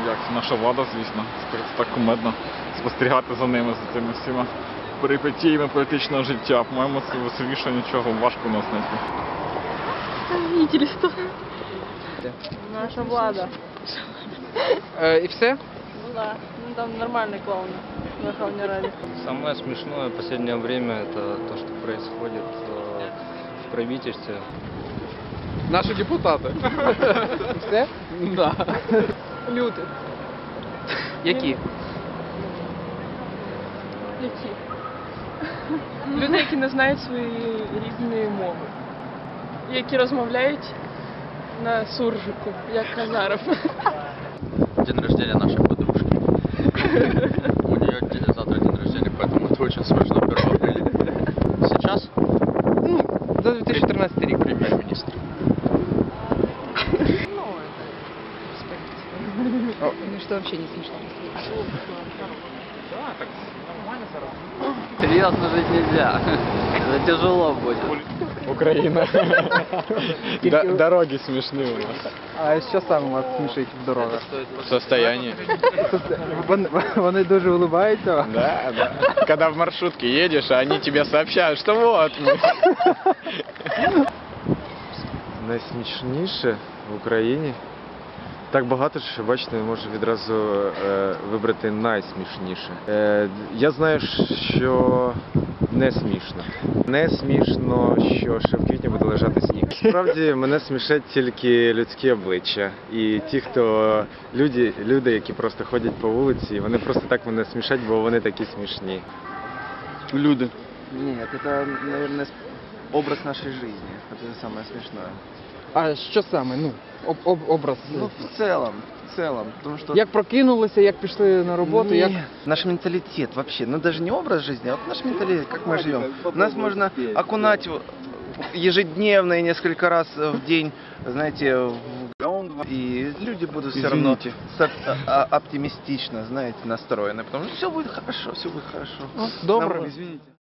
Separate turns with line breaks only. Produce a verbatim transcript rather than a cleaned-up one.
як наша влада, звісно. Це так кумедно спостерігати за ними, за цими всіма перипетіями політичного життя. По-моєму, це веселіше нічого важко у нас знайти.
Видели что? Наша влада.
Э, и все?
Ну да, ну там нормальные клоуны в Верховной Раде.
Самое смешное в последнее время это то, что происходит э, в правительстве.
Наши депутаты. Все?
Да. Люди.
Які?
Які? Люди, які не знають свої рідної мови. Які розмовляють на суржику, як Казаров.
День рождения нашей подружки. У нее завтра день рождения, поэтому это очень смешно. первого апреля. Сейчас
Ну, за две тысячи тринадцатый рік.
премьер-министр.
Ну что вообще не смешно.
Серьезно жить нельзя. Это тяжело будет.
Україна. Дороги смішні у нас.
А що саме вас смішить в дорогах?
Состояние.
Вони, вони дуже улыбаються.
Да, да. Когда в маршрутке едешь, а они тебе сообщают, что вот мы.
Найсмішніше в Україні. Так багато, що, бачите, не можу відразу е, вибрати найсмішніше. Е, я знаю, що не смішно. Не смішно, що ще в квітні буде лежати сніг. Справді, мене смішать тільки людські обличчя. І ті, хто люди, люди, які просто ходять по вулиці, вони просто так мене смішать, бо вони такі смішні.
Люди.
Нет, это, наверное, образ нашей жизни. Это самое смешное.
А що саме? Ну, об, об, образ.
Ну, в целом, в целом, потому что...
Як прокинулися, як пішли на роботу,
Нет,
як...
наш менталитет вообще, ну даже не образ жизни, а вот наш менталитет, как мы живем. Нас можно окунать ежедневно и несколько раз в день, знаете, в и люди будут все равно со- а- оптимистично, знаете, настроены, потому что все будет хорошо, все будет хорошо.
Ну, добре.
Нам- Извините.